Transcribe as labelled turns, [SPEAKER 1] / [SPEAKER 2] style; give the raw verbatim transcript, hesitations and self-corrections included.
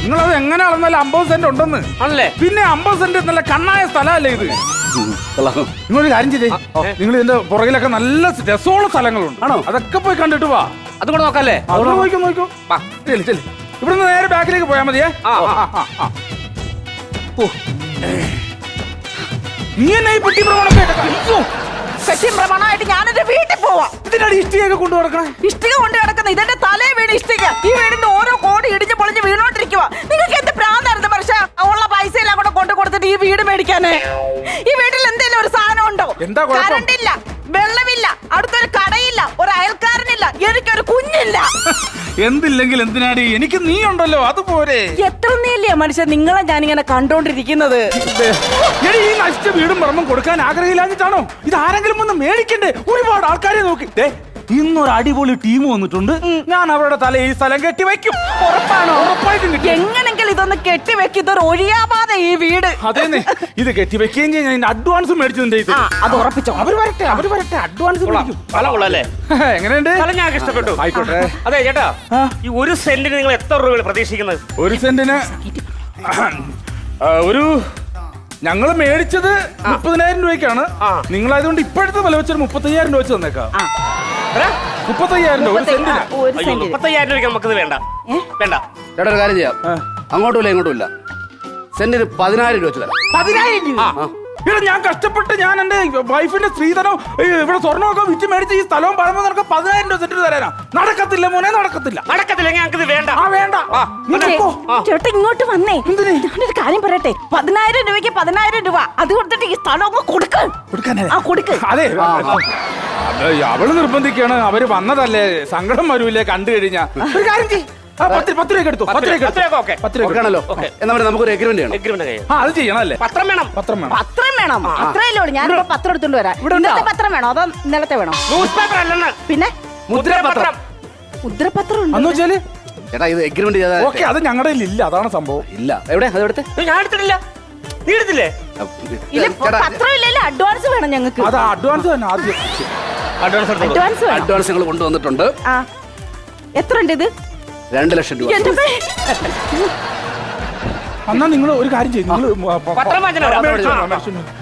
[SPEAKER 1] നിങ്ങളത് എങ്ങനെ അളന്നാലും അമ്പത് സെന്റ് ഉണ്ടെന്ന്
[SPEAKER 2] ആണല്ലേ?
[SPEAKER 1] പിന്നെ അമ്പത് സെന്റ് നല്ല കണ്ണായ സ്ഥലമല്ലേ ഇത്. നിങ്ങളൊരു കാര്യം ചെയ്തേ, നിങ്ങൾ ഇതിന്റെ പുറകിലൊക്കെ നല്ല രസമുള്ള സ്ഥലങ്ങളുണ്ട്.
[SPEAKER 2] ആണോ?
[SPEAKER 1] അതൊക്കെ പോയി കണ്ടിട്ട് വാ.
[SPEAKER 2] അതുകൂടെ നോക്കല്ലേ?
[SPEAKER 1] അവിടെ നോക്കോ നോക്കോ. ചെല്ലു ചെല്ലു. ഇവിടുന്ന് നേരെ ബാക്കിലേക്ക് പോയാൽ മതിയേ. നീ എന്നെ ഈ പെട്ടി
[SPEAKER 3] പ്രമാണമായിട്ട് ഞാനെന്റെ വീട്ടിൽ പോവാ.
[SPEAKER 1] ഇതിനാണ് ഇഷ്ടികയൊക്കെ കൊണ്ടു നടക്കണേ.
[SPEAKER 3] ഇഷ്ടിക കൊണ്ട് കിടക്കുന്ന ഇതെന്റെ തലേ വീട് ഇഷ്ടിക. ഈ വീടിന്റെ ഓരോ കോടി ഇടിഞ്ഞ് പൊളിഞ്ഞ് വീണോണ്ടിരിക്കുക. നിങ്ങൾക്ക് എന്ത് പ്രാന്തായിരുന്നു മനുഷ്യ? ഉള്ള പൈസ എല്ലാം കൂടെ കൊണ്ടു കൊടുത്തിട്ട് ഈ വീട് മേടിക്കാനേ. ഈ വീട്ടിൽ എന്തെങ്കിലും ഒരു സാധനം ഉണ്ടോ?
[SPEAKER 1] എന്താ കുഴപ്പം?
[SPEAKER 3] കറണ്ട് ഇല്ല, വെള്ളമില്ല, അടുത്തൊരു കടയില്ല, ഒരു അയൽക്കാരനില്ല, എനിക്കൊരു കുഞ്ഞില്ല.
[SPEAKER 1] എന്തില്ലെങ്കിൽ എന്തിനാടി, എനിക്ക് നീ ഉണ്ടല്ലോ, അതുപോലെ.
[SPEAKER 3] എത്ര നീല്ലേ മനുഷ്യ നിങ്ങളെ ഞാനിങ്ങനെ കണ്ടോണ്ടിരിക്കുന്നത്.
[SPEAKER 1] എടി, ഈ നശിച്ച വീടും പറമ്പും കൊടുക്കാൻ ആഗ്രഹമില്ലാഞ്ഞിട്ടാണോ? ഇത് ആരെങ്കിലും ഒന്ന് മേടിക്കണ്ടേ? ഒരുപാട് ആൾക്കാരെ നോക്കി. ഇന്നൊരു അടിപൊളി ടീം വന്നിട്ടുണ്ട്. ഞാൻ അവരുടെ തല ഈ സ്ഥലം കെട്ടി വെക്കും.
[SPEAKER 3] ഉറപ്പാണോ?
[SPEAKER 1] ഉറപ്പായിട്ടും കെട്ടി.
[SPEAKER 3] എങ്ങനെങ്കിലും ഇതൊന്ന് കെട്ടി വെക്കും. ഇതൊരു ഒഴിയാവാതെ ഈ വീട്.
[SPEAKER 1] അതേന്നെ, ഇത് കെട്ടി വെക്കുകയും ചെയ്യാൻ ഞാൻ അഡ്വാൻസ് മേടിച്ചിട്ടുണ്ട്. ഇത്
[SPEAKER 3] അത് ഉറപ്പിച്ചോ.
[SPEAKER 1] അവര് വരട്ടെ, അവര് വരട്ടെ, അഡ്വാൻസ് മേടിക്കും.
[SPEAKER 2] കൊള്ളല്ലേ?
[SPEAKER 1] എങ്ങനെയുണ്ട്?
[SPEAKER 2] ഞാൻ ഇഷ്ടപ്പെട്ടു.
[SPEAKER 1] ആയിക്കോട്ടെ.
[SPEAKER 2] അതെ ചേട്ടാ, ഈ ഒരു സെന്റിന് നിങ്ങൾ എത്ര രൂപ പ്രതീക്ഷിക്കുന്നത്?
[SPEAKER 1] ഒരു സെന്റിന് ഒരു ഞങ്ങള് മേടിച്ചത് മുപ്പതിനായിരം രൂപയ്ക്കാണ്. നിങ്ങളായതുകൊണ്ട് ഇപ്പോഴത്തെ വില വെച്ചൊരു മുപ്പത്തയ്യായിരം രൂപ വെച്ച് തന്നേക്കാം. മുപ്പത്തയ്യായിരം രൂപ ഒരു സെന്റിന്.
[SPEAKER 2] മുപ്പത്തയ്യായിരം രൂപയ്ക്ക് നമുക്കിത് വേണ്ട. വേണ്ട
[SPEAKER 4] ചേട്ടാ, ഒരു കാര്യം ചെയ്യാം. അങ്ങോട്ടും ഇല്ല ഇങ്ങോട്ടും ഇല്ല, സെന്റിന് പതിനായിരം രൂപ വെച്ച് തരാം.
[SPEAKER 1] പതിനായിരം രൂപ? ഇവിടെ ഞാൻ കഷ്ടപ്പെട്ട് ഞാൻ എന്റെ വൈഫിന്റെ സ്ത്രീധനം ഇവിടെ സ്വർണ്ണമൊക്കെ വിറ്റ് മേടിച്ച് ഈ സ്ഥലവും പഴമോ നിനക്ക് പതിനായിരം രൂപ സെന്റ് തരാനാ? നടക്കത്തില്ല മോനെ, നടക്കത്തില്ല.
[SPEAKER 2] നടക്കത്തില്ല, ഞങ്ങൾക്ക് വേണ്ട.
[SPEAKER 1] ആ വേണ്ട.
[SPEAKER 3] ചേട്ടാ ഇങ്ങോട്ട് വന്നേ. ഞാനൊരു കാര്യം പറയട്ടെ. പതിനായിരം രൂപയ്ക്ക് പതിനായിരം രൂപ അത് കൊടുത്തിട്ട് ഈ സ്ഥലം അങ്ങ് കൊടുക്ക്. ആ കൊടുക്ക്.
[SPEAKER 1] അതെ, അവള് നിർബന്ധിക്കാണ്. അവര് വന്നതല്ലേ, സങ്കടം വരൂലേ കണ്ടു കഴിഞ്ഞാ. ഒരു കാര്യം ചെയ്യ്, പത്ത് പത്ത് രൂപ എടുത്തു. പത്ത് രൂപ പത്ത് രൂപ
[SPEAKER 4] ആണല്ലോ. എന്നാ നമുക്കൊരു എഗ്രിമെന്റ് ചെയ്യണം.
[SPEAKER 2] എഗ്രിമെന്റ് ചെയ്യാം.
[SPEAKER 1] ആ, അത് ചെയ്യണല്ലേ.
[SPEAKER 2] പത്രം വേണം.
[SPEAKER 1] പത്രം വേണം.
[SPEAKER 3] പത്രം വേണം. അത്രയല്ലേ ഉള്ളൂ. ഞാനിപ്പോ പത്രം എടുത്തോണ്ട് വരാം. ഇന്നത്തെ പത്രം വേണോ അതോ ഇന്നലത്തെ വേണോ?
[SPEAKER 2] ന്യൂസ് പേപ്പർ അല്ലെന്ന്.
[SPEAKER 3] പിന്നെ
[SPEAKER 2] മുദ്രപത്രം.
[SPEAKER 3] മുദ്രപത്രം
[SPEAKER 1] എന്ന് വെച്ചാല്
[SPEAKER 4] ചേട്ടാ, ഇത് എഗ്രിമെന്റ് ചെയ്താ
[SPEAKER 1] ഓക്കെ. അത് ഞങ്ങളുടെ ഇല്ല, അതാണ് സംഭവം.
[SPEAKER 4] ഇല്ല. എവിടെ അത് എടുത്ത്?
[SPEAKER 2] ഞാൻ എടുത്തിട്ടില്ല. നീ എടുത്തില്ലേ?
[SPEAKER 3] പത്രം ഇല്ലല്ലോ, അഡ്വാൻസ് വേണം ഞങ്ങൾക്ക്.
[SPEAKER 1] അത് അഡ്വാൻസ് തന്നെ ആദ്യം.
[SPEAKER 2] അഡ്വാൻസ്
[SPEAKER 3] അഡ്വാൻസ് വേണം.
[SPEAKER 4] അഡ്വാൻസ് നിങ്ങൾ കൊണ്ടുവന്നിട്ടുണ്ട്.
[SPEAKER 3] ആ, എത്ര ഉണ്ട് ഇത്?
[SPEAKER 4] രണ്ട് ലക്ഷം രൂപ.
[SPEAKER 1] എന്നാ നിങ്ങൾ ഒരു കാര്യം ചെയ്യും. നിങ്ങൾ
[SPEAKER 2] പത്രം വാങ്ങിച്ചു.